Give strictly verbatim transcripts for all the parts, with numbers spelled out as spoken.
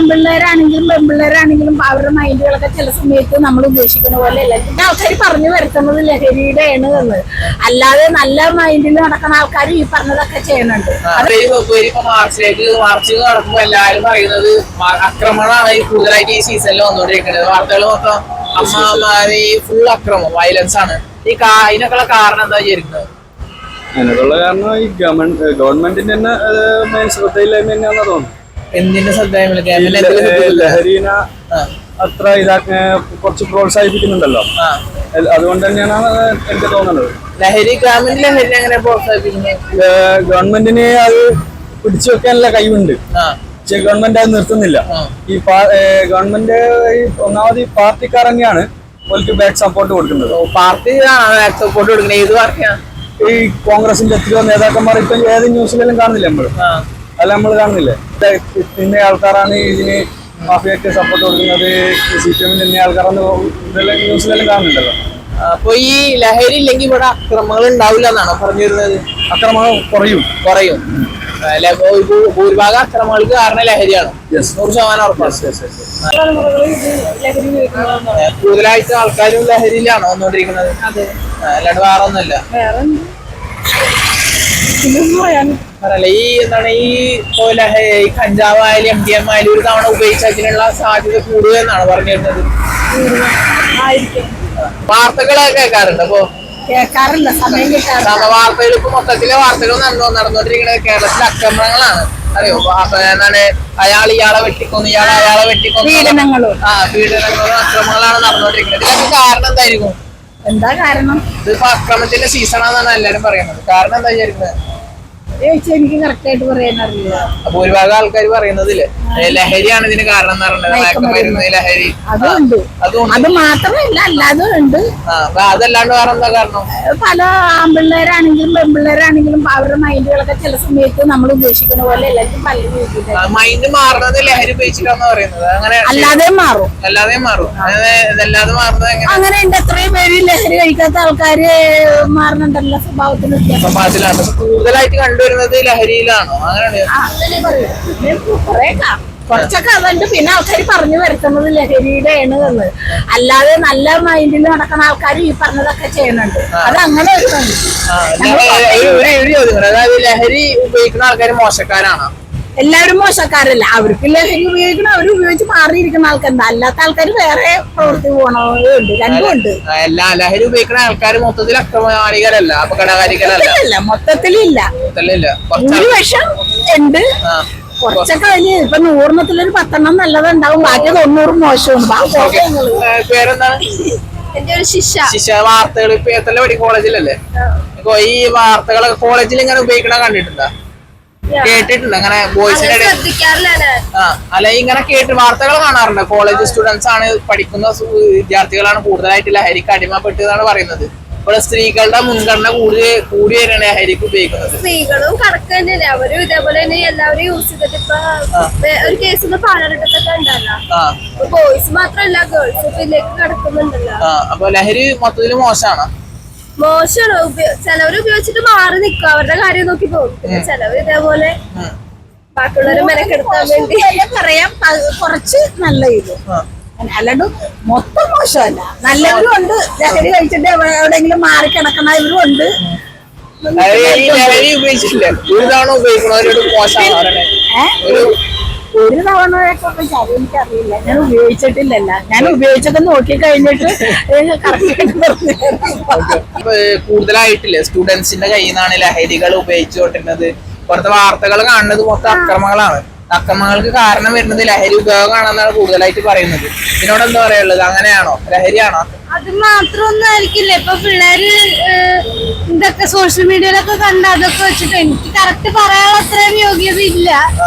ആൺപിള്ളേരാണെങ്കിലും പെൺപിള്ളേരാണെങ്കിലും അവരുടെ മൈൻഡുകളൊക്കെ ചില സമയത്ത് നമ്മൾ ഉദ്ദേശിക്കുന്ന പോലെ അല്ല. പിന്നെ ആൾക്കാർ പറഞ്ഞു വരുത്തുന്നത് ലഹരിയുടെ ആണ് എന്ന്, അല്ലാതെ നല്ല മൈൻഡിൽ നടക്കുന്ന ആൾക്കാർ ഈ പറഞ്ഞതൊക്കെ ചെയ്യുന്നുണ്ട്. മാർച്ചിലേക്ക് മാർച്ച് നടക്കുമ്പോൾ എല്ലാവരും പറയുന്നത് ആക്രമണമാണ് ഈ കൂടുതലായിട്ട് ഈ സീസണിൽ വന്നുകൊണ്ടിരിക്കുന്നത്. വാർത്തകൾ മൊത്തം അമ്മമാര് ഈ ഫുൾ അക്രമം, വയലൻസ് ആണ്. ഈ ഇതിനൊക്കെയുള്ള കാരണം എന്താ വിചാരിക്കുന്നത്? അതിനുള്ള കാരണം ഈ ഗവൺമെന്റ് ഗവൺമെന്റിന്റെ തന്നെ മെയിൻ ശ്രദ്ധയില്ലായ്മ തന്നെയാണെന്ന് തോന്നുന്നു. എന്തിന്റെ ശ്രദ്ധയില്ല? ലഹരീന അത്ര ഇതാക്കി കുറച്ച് പ്രോത്സാഹിപ്പിക്കുന്നുണ്ടല്ലോ, അതുകൊണ്ട് തന്നെയാണ് എനിക്ക് തോന്നുന്നത്. ലഹരി ഗവൺമെന്റ് ലഹരി എങ്ങനെ പ്രോത്സാഹിപ്പിക്കുന്നത്? ഗവൺമെന്റിന് അത് പിടിച്ചു വെക്കാനുള്ള കഴിവുണ്ട്, പക്ഷെ ഗവൺമെന്റ് അത് നിർത്തുന്നില്ല. ഈ ഗവൺമെന്റ് ഒന്നാമത് ഈ പാർട്ടിക്കാർ തന്നെയാണ് അവർക്ക് ബാക്ക് സപ്പോർട്ട് കൊടുക്കുന്നത്. പാർട്ടി ബാക്ക് സപ്പോർട്ട് കൊടുക്കുന്നത് ഏത് പാർട്ടിയാണ്? ഈ കോൺഗ്രസിന്റെ എത്രയോ നേതാക്കന്മാർ ഇപ്പൊ ഏത് ന്യൂസിലെല്ലാം കാണുന്നില്ല നമ്മള്, അല്ല നമ്മൾ കാണുന്നില്ലേ ഇന്ന ആൾക്കാരാണ് ഇതിന് മാഫിയക്ക് സപ്പോർട്ട് കൊടുക്കുന്നത്, സി പി എമ്മിന്റെ ഇന്ന ആൾക്കാരാണ് ഇതെല്ലാം ന്യൂസിലെല്ലാം കാണുന്നുണ്ടല്ലോ. അപ്പൊ ഈ ലഹരി ഇല്ലെങ്കിൽ ഇവിടെ അക്രമങ്ങൾ ഉണ്ടാവില്ല എന്നാണോ പറഞ്ഞു വരുന്നത്? അക്രമങ്ങൾ കുറയും കുറയും ഭൂരിഭാഗം അക്രമങ്ങൾക്ക് കാരണം ലഹരിയാണ്, നൂറ് ശതമാനം ഉറപ്പാണ്. കൂടുതലായിട്ട് ആൾക്കാരും ലഹരിയിലാണോ വന്നുകൊണ്ടിരിക്കുന്നത്? അല്ലാണ്ട് വേറെ ഒന്നുമില്ല. പറയല്ലേ ഈ എന്താണ് ഈ ഈ കഞ്ചാവായാലും എം ഡി എം ആയാലും ഒരു തവണ ഉപയോഗിച്ചതിനുള്ള സാധ്യത കൂടുതൽ എന്നാണ് പറഞ്ഞു വരുന്നത്. വാർത്തകളൊക്കെ കേൾക്കാറുണ്ട്. അപ്പൊ കേൾക്കാറില്ല, സമയം കിട്ടാറില്ല. വാർത്തകൾ ഇപ്പൊ മൊത്തത്തിലെ വാർത്തകൾ നടന്നുകൊണ്ടിരിക്കുന്നത് കേരളത്തിലെ അക്രമങ്ങളാണ്. അറിയോ? എന്താണ് അയാൾ ഇയാളെ വെട്ടിക്കൊന്നു, ഇയാൾ അയാളെ വെട്ടിക്കൊന്നു, പീഡനങ്ങളും ആ പീഡനങ്ങളും അക്രമങ്ങളാണ് നടന്നുകൊണ്ടിരിക്കുന്നത്. ഇതിനൊക്കെ കാരണം എന്തായിരിക്കും? എന്താ കാരണം? ഇതിപ്പോ അക്രമത്തിന്റെ സീസണാന്നാണ് എല്ലാരും പറയുന്നത്. കാരണം എന്താ വിചാരിക്കുന്നത്? എനിക്ക് കറക്റ്റ് ആയിട്ട് പറയാൻ അറിയില്ല. അപ്പൊ ഒരുപാട് ആൾക്കാർ പറയുന്നതില്ലേ ലഹരിയാണ് ഇതിന് കാരണം എന്ന് പറയുന്നത്. ലഹരി അതുണ്ട്, അത് മാത്രമല്ല അല്ലാതെ ഉണ്ട്. അതല്ലാണ്ട് വേറെ എന്താ കാരണം? പല ആൺപിള്ളേരാണെങ്കിലും പെൺപിള്ളേരാണെങ്കിലും അവരുടെ മൈൻഡുകളൊക്കെ ചില സമയത്ത് നമ്മൾ ഉദ്ദേശിക്കുന്ന പോലെ എല്ലാവർക്കും പല രീതിയിൽ മൈൻഡ് മാറുന്നത് ലഹരി ഉപയോഗിച്ചിട്ടാന്ന് പറയുന്നത്. അങ്ങനെ അല്ലാതെ മാറും, അല്ലാതെ മാറും അതല്ലാതെ മാറുന്നത് അങ്ങനെ ഉണ്ട്. എത്രയും പേര് ലഹരി കഴിക്കാത്ത ആൾക്കാര് മാറുന്നുണ്ടല്ലോ സ്വഭാവത്തിന്. സ്വഭാവത്തിലാണ് കൂടുതലായിട്ട് കണ്ടുവരുന്നത് ലഹരിയിലാണോ? അങ്ങനെയാണ് കുറച്ചൊക്കെ അതുണ്ട്. പിന്നെ ആൾക്കാർ പറഞ്ഞു വരുത്തുന്നത് ലഹരിയുടെ ആണ് എന്ന്, അല്ലാതെ നല്ല മൈൻഡിൽ നടക്കുന്ന ആൾക്കാർ ഈ പറഞ്ഞതൊക്കെ ചെയ്യുന്നുണ്ട്. അത് അങ്ങനെ ഒരു അതായത് ലഹരി ഉപയോഗിക്കുന്ന ആൾക്കാർ മോശക്കാരാണോ? എല്ലാവരും മോശക്കാരല്ല. അവർക്ക് ലഹരി ഉപയോഗിക്കണം, അവർ ഉപയോഗിച്ച് മാറിയിരിക്കുന്ന ആൾക്കാരുണ്ട്. അല്ലാത്ത ആൾക്കാർ വേറെ പ്രവൃത്തി പോകണമുണ്ട്, രണ്ടും ഉണ്ട്. എല്ലാ ലഹരി ഉപയോഗിക്കുന്ന ആൾക്കാർ മൊത്തത്തിൽ അക്രമകാരികളല്ല, അപകടകാരികളല്ല, മൊത്തത്തിലില്ല. ഭൂരിപക്ഷം ഉണ്ട്, കുറച്ചൊക്കെ വലിയ ഇപ്പൊ നൂറിനത്തിലൊരു പത്തെണ്ണം നല്ലതുണ്ടാവും, ബാക്കി തൊണ്ണൂറും മോശമാണ്. പേരെന്താണ്? എന്റെ ഒരു ശിക്ഷ ശിക്ഷ വാർത്തകൾ ഇപ്പൊ എത്ര പഠി കോളേജിലല്ലേ? ഈ വാർത്തകളൊക്കെ കോളേജിൽ ഇങ്ങനെ ഉപയോഗിക്കണ കണ്ടിട്ടുണ്ടോ? കേട്ടിട്ടുണ്ട് അങ്ങനെ ബോയ്സിന്റെ ആ അല്ല ഇങ്ങനെ കേട്ട് വാർത്തകൾ കാണാറുണ്ട്. കോളേജ് സ്റ്റുഡൻസ് ആണ്, പഠിക്കുന്ന വിദ്യാർത്ഥികളാണ് കൂടുതലായിട്ട് ലഹരിക്ക് അടിമപ്പെട്ടതാണ് പറയുന്നത്. ഇപ്പോൾ സ്ത്രീകളുടെ മുൻഗണന കൂടി കൂടി വരെയാണ് ലഹരിക്ക് ഉപയോഗിക്കുന്നത്. സ്ത്രീകളും കണക്ക് തന്നെയല്ലേ, അവരും ഇതേപോലെ തന്നെ എല്ലാവരും യൂസ് ചെയ്തിട്ട് ഇപ്പൊ ഒരു കേസ് പാലഘട്ടത്തൊക്കെ ഉണ്ടല്ലോ, ബോയ്സ് മാത്രല്ല ഗേൾസ് ഇതിലേക്ക് കിടക്കുന്നുണ്ടല്ലോ. അപ്പൊ ലഹരി മൊത്തത്തിൽ മോശമാണ്. മോശമാണ്. ചിലവർ ഉപയോഗിച്ചിട്ട് മാറി നിൽക്കും, അവരുടെ കാര്യം നോക്കി പോകും. പിന്നെ ചിലവർ ഇതേപോലെ ബാക്കിയുള്ളവരെ മെനക്കെടുത്താൻ വേണ്ടി പറയാം. കുറച്ച് നല്ല ഇത് അല്ലാണ്ട് മൊത്തം മോശമല്ല, നല്ലവരും ഉണ്ട്. ലഹരി കഴിച്ചിട്ട് എവിടെയെങ്കിലും മാറി കിടക്കുന്നവരും ഉണ്ട്. ലഹരി ഉപയോഗിച്ചിട്ടില്ല ഒരു തവണ ഉപയോഗിക്കണവരോട് മോശമാണ്. ഒരു തവണയൊക്കെ എനിക്കറിയില്ല, ഞാൻ ഉപയോഗിച്ചിട്ടില്ലല്ല. ഞാൻ ഉപയോഗിച്ചൊക്കെ നോക്കി കഴിഞ്ഞിട്ട് കൂടുതലായിട്ടില്ലേ സ്റ്റുഡൻസിന്റെ കയ്യിൽ നിന്നാണ് ലഹരികൾ ഉപയോഗിച്ചുകൊണ്ടിരുന്നത്. പുറത്തെ വാർത്തകൾ കാണുന്നത് മൊത്തം അക്രമങ്ങളാണ്. അക്രമങ്ങൾക്ക് കാരണം വരുന്നത് ലഹരി ഉപയോഗമാണെന്നാണ് കൂടുതലായിട്ട് പറയുന്നത്. ഇതിനോട് എന്താ പറയാനുള്ളത്? അങ്ങനെയാണോ? ലഹരിയാണോ? അത് മാത്രമൊന്നും ആയിരിക്കില്ല. ഇപ്പൊ പിള്ളേര് ഇതൊക്കെ സോഷ്യൽ മീഡിയയിലൊക്കെ കണ്ട അതൊക്കെ വെച്ചിട്ട് എനിക്ക് കറക്റ്റ് പറയാനുള്ള അത്രയും യോഗ്യത ഇല്ല.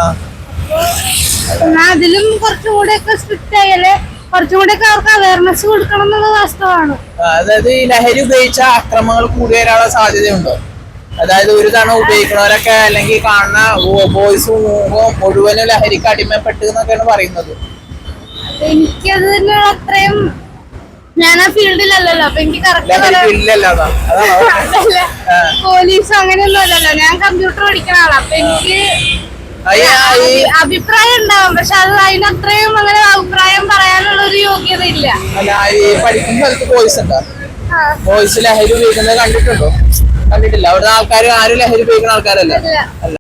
അതിലും കുറച്ചും കൂടെ ഒക്കെ സ്ട്രിക്റ്റ് ആയാലേ കുറച്ചും കൂടെ ഒക്കെ അവർക്ക് അവയർനെസ് കൊടുക്കണം എന്നുള്ളത് വാസ്തവമാണ്. അതായത് ഈ ലഹരി ഉപയോഗിച്ച അക്രമങ്ങൾ കൂടി വരാനുള്ള സാധ്യതയുണ്ടോ? അതായത് ഒരു തവണ ഉപയോഗിക്കുന്നവരൊക്കെ അല്ലെങ്കിൽ കാണുന്ന ബോയ്സും മുഴുവനും ലഹരിക്ക് അടിമപ്പെട്ടു എന്നൊക്കെയാണ് പറയുന്നത്. എനിക്കത് തന്നെ അത്രയും ഞാൻ ആ ഫീൽഡിലല്ലല്ലോ, അപ്പൊ എനിക്ക് കറക്റ്റ് പോലീസ് അങ്ങനെയൊന്നും അല്ലല്ലോ. ഞാൻ കമ്പ്യൂട്ടർ പഠിക്കുന്ന ആളാ, അപ്പൊ എനിക്ക് ഈ അഭിപ്രായം ഉണ്ടാവും, പക്ഷെ അത് അതിനത്രയും അങ്ങനെ അഭിപ്രായം പറയാനുള്ള ഒരു യോഗ്യത ഇല്ല. അല്ല ഈ പഠിക്കുന്ന സ്ഥലത്ത് ബോയ്സ് ഉണ്ടോ? ബോയ്സ് ലഹരി ഉപയോഗിക്കുന്നത് കണ്ടിട്ടുണ്ടോ? കണ്ടിട്ടില്ല. അവിടുത്തെ ആൾക്കാർ ആരും ലഹരി ഉപയോഗിക്കുന്ന ആൾക്കാരല്ല. ഇല്ല. അല്ല.